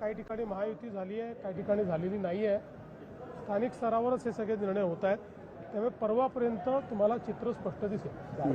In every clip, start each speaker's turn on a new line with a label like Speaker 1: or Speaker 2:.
Speaker 1: काही ठिकाणी महायुती झाली आहे, काही ठिकाणी झालेली नाही आहे. स्थानिक स्तरावरच हे सगळे निर्णय होत आहेत. त्यामुळे परवापर्यंत तुम्हाला चित्र स्पष्ट दिसेल.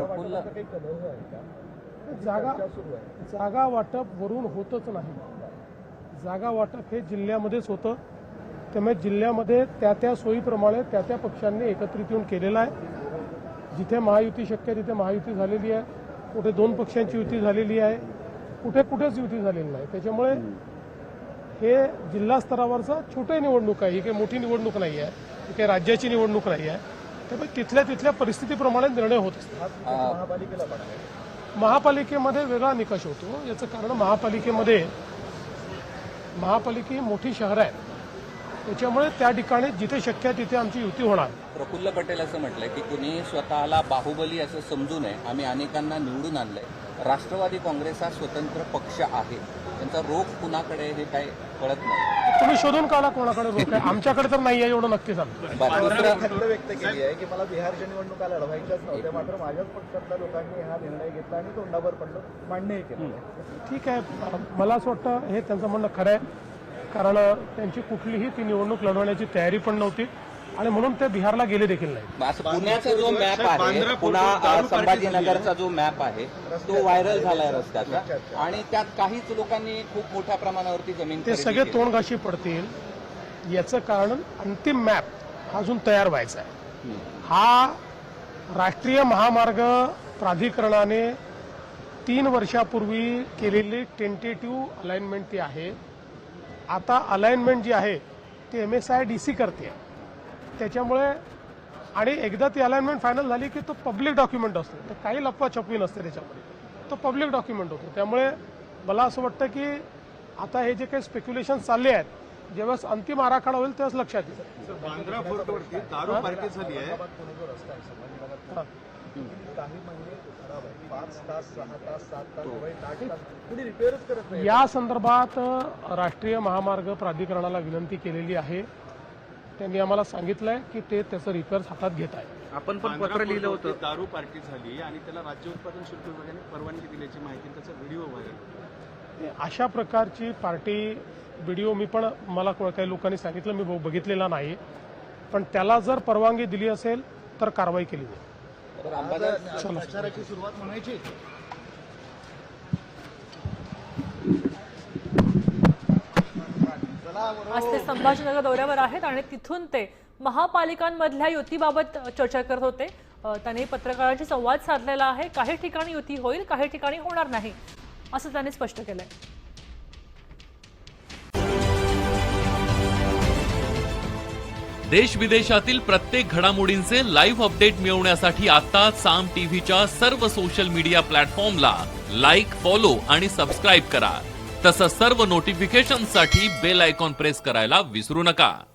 Speaker 1: जागा वाटप वरून होतच नाही. जागा वाटप हे जिल्ह्यामध्येच होतं. त्यामुळे जिल्ह्यामध्ये त्या त्या सोयीप्रमाणे त्या त्या पक्षांनी एकत्रित येऊन केलेलं आहे. जिथे महायुती शक्य तिथे महायुती झालेली आहे, कुठे दोन पक्षांची युती झालेली आहे, कुठेच युती झालेली नाही. त्याच्यामुळे हे जिल्हा स्तरावरचा छोटी निवडणूक आहे. ही काही मोठी निवडणूक नाही आहे, ही काही राज्याची निवडणूक नाही आहे. त्यामुळे तिथल्या परिस्थितीप्रमाणे निर्णय होत असतात. महापालिकेमध्ये वेगळा निकष होतो. याचं कारण महापालिका मोठी शहर आहे, त्याच्यामुळे त्या ठिकाणी जिथे शक्य आहे तिथे आमची युती होणार.
Speaker 2: प्रफुल्ल पटेल असं म्हटलंय की कुणी स्वतःला बाहुबली असं समजू नये, आम्ही अनेकांना निवडून आणलंय. राष्ट्रवादी काँग्रेस हा स्वतंत्र पक्ष आहे, त्यांचा रोख कुणाकडे हे काय कळत नाही.
Speaker 1: तुम्ही शोधून काढा कोणाकडे रोख आहे. आमच्याकडे तर नाही आहे एवढं नक्की सांगतो.
Speaker 3: व्यक्त केली आहे की मला बिहारच्या निवडणुका लढवायच्याच नव्हत्या, मात्र माझ्याच पक्षातल्या लोकांनी हा निर्णय घेतला आणि तोंडावर पडलं, मान्यही केलं.
Speaker 1: ठीक आहे, मला असं वाटतं हे त्यांचं म्हणणं खरं आहे. कारण त्यांची कुठलीही ती निवडणूक लढवण्याची तयारी पण नव्हती आणि म्हणून ते बिहारला गेले देखील नाही.
Speaker 2: पुण्याचा जो मॅप आहे, पुन्हा संभाजीनगरचा जो मॅप आहे तो व्हायरल झालाय रस्त्याचा, आणि त्यात काहीच लोकांनी खूप मोठ्या प्रमाणावरती जमीन
Speaker 1: ते सगळे तोंडघाशी पडतील. याचं कारण अंतिम मॅप अजून तयार व्हायचा आहे. हा राष्ट्रीय महामार्ग प्राधिकरणाने 3 वर्षापूर्वी केलेली टेंटेटिव्ह अलाइनमेंट ती आहे. आता अलाइनमेंट जी आहे ती MSIDC करते. त्याच्यामुळे आणि एकदा ती अलाइनमेंट फायनल झाली की तो पब्लिक डॉक्युमेंट असतो, तर काही लपवाछपवी नसते त्याच्यामध्ये, तो पब्लिक डॉक्युमेंट होतो. त्यामुळे मला असं वाटतं की आता हे जे काही स्पेक्युलेशन चालले आहेत, जेव्हा अंतिम आराखडा होईल तेव्हाच लक्षात येईल.
Speaker 3: बांद्रा फोर्टवरती दारू पार्टी झाली आहे.
Speaker 1: या संदर्भात राष्ट्रीय महामार्ग प्राधिकरणाला विनंती केलेली आहे. त्यांनी आम्हाला सांगितलंय की ते त्याचं रिपेअर्स हातात घेत आहे.
Speaker 4: आपण पण पत्र लिहिलं होतं.
Speaker 3: दारू पार्टी झाली आणि त्याला राज्य उत्पादन शुल्क विभागाने परवानगी दिल्याची माहिती, त्याचा व्हिडिओ व्हायरल.
Speaker 1: अशा प्रकारची पार्टी व्हिडिओ मला काही लोकांनी सांगितलं, मी बघितलेला नाही. पण त्याला जर परवानगी दिली असेल तर कारवाई केली जाईल.
Speaker 3: प्रचाराची सुरुवात म्हणायची.
Speaker 5: आज ते संभाजीनगर दौऱ्यावर आहेत आणि तिथून ते महापालिकांमधल्या युतीबाबत चर्चा करत होते. त्यांनी पत्रकारांशी संवाद साधलेला आहे. काही ठिकाणी युती होईल, काही ठिकाणी होणार नाही असं त्यांनी स्पष्ट केलंय.
Speaker 6: देश विदेशातील प्रत्येक घडामोडींचे लाईव्ह अपडेट मिळवण्यासाठी आता साम टीव्हीच्या सर्व सोशल मीडिया प्लॅटफॉर्मला लाईक, फॉलो आणि सबस्क्राईब करा. तसंच सर्व नोटिफिकेशनसाठी बेल आयकॉन प्रेस करायला विसरू नका.